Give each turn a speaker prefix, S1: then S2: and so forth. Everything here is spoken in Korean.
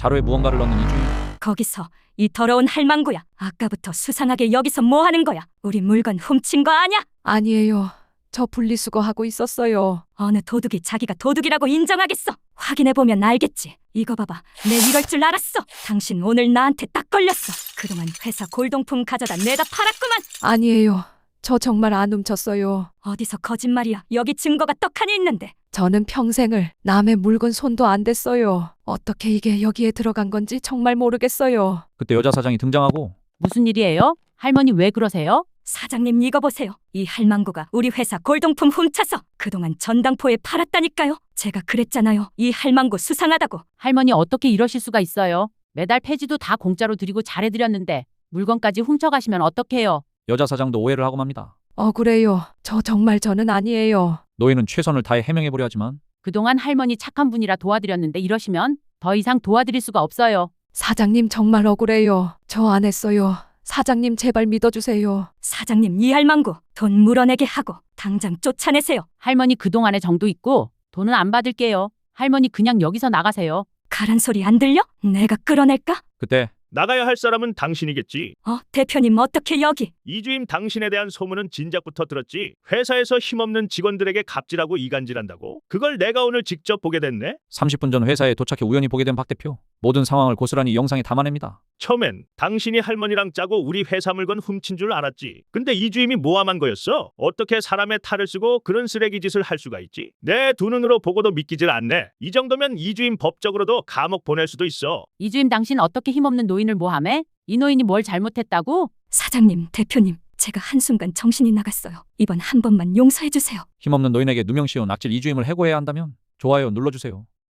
S1: 자루에 무언가를 넣는 이주임.
S2: 거기서 이 더러운 할망구야. 아까부터 수상하게 여기서 뭐 하는 거야? 우리 물건 훔친 거 아냐?
S3: 아니에요. 저 분리수거하고 있었어요.
S2: 어느 도둑이 자기가 도둑이라고 인정하겠어? 확인해보면 알겠지. 이거 봐봐. 내 이럴 줄 알았어. 당신 오늘 나한테 딱 걸렸어. 그동안 회사 골동품 가져다 내다 팔았구만.
S3: 아니에요. 저 정말 안 훔쳤어요.
S2: 어디서 거짓말이야. 여기 증거가 떡하니 있는데.
S3: 저는 평생을 남의 물건 손도 안 댔어요. 어떻게 이게 여기에 들어간 건지 정말 모르겠어요.
S1: 그때 여자 사장이 등장하고
S4: 무슨 일이에요? 할머니 왜 그러세요?
S2: 사장님 이거 보세요. 이 할망구가 우리 회사 골동품 훔쳐서 그동안 전당포에 팔았다니까요. 제가 그랬잖아요. 이 할망구 수상하다고.
S4: 할머니 어떻게 이러실 수가 있어요? 매달 폐지도 다 공짜로 드리고 잘해드렸는데 물건까지 훔쳐가시면 어떡해요?
S1: 여자 사장도 오해를 하고 맙니다.
S3: 억울해요. 저는 아니에요.
S1: 노예는 최선을 다해 해명해보려 하지만
S4: 그동안 할머니 착한 분이라 도와드렸는데 이러시면 더 이상 도와드릴 수가 없어요.
S3: 사장님 정말 억울해요. 저 안 했어요. 사장님 제발 믿어주세요.
S2: 사장님 이 할망구 돈 물어내게 하고 당장 쫓아내세요.
S4: 할머니 그동안의 정도 있고 돈은 안 받을게요. 할머니 그냥 여기서 나가세요.
S2: 가란 소리 안 들려? 내가 끌어낼까?
S1: 그때
S5: 나가야 할 사람은 당신이겠지.
S2: 대표님 어떻게 여기?
S5: 이주임 당신에 대한 소문은 진작부터 들었지. 회사에서 힘없는 직원들에게 갑질하고 이간질한다고. 그걸 내가 오늘 직접 보게 됐네.
S1: 30분 전 회사에 도착해 우연히 보게 된 박 대표. 모든 상황을 고스란히 영상에 담아냅니다.
S5: 처음엔 당신이 할머니랑 짜고 우리 회사 물건 훔친 줄 알았지. 근데 이주임이 모함한 거였어. 어떻게 사람의 탈을 쓰고 그런 쓰레기 짓을 할 수가 있지? 내 두 눈으로 보고도 믿기질 않네. 이 정도면 이주임 법적으로도 감옥 보낼 수도 있어.
S4: 이주임 당신 어떻게 힘없는 노인을 모함해? 이 노인이 뭘 잘못했다고?
S2: 사장님, 대표님, 제가 한순간 정신이 나갔어요. 이번 한 번만 용서해 주세요.
S1: 힘없는 노인에게 누명씌운 악질 이주임을 해고해야 한다면 좋아요 눌러주세요.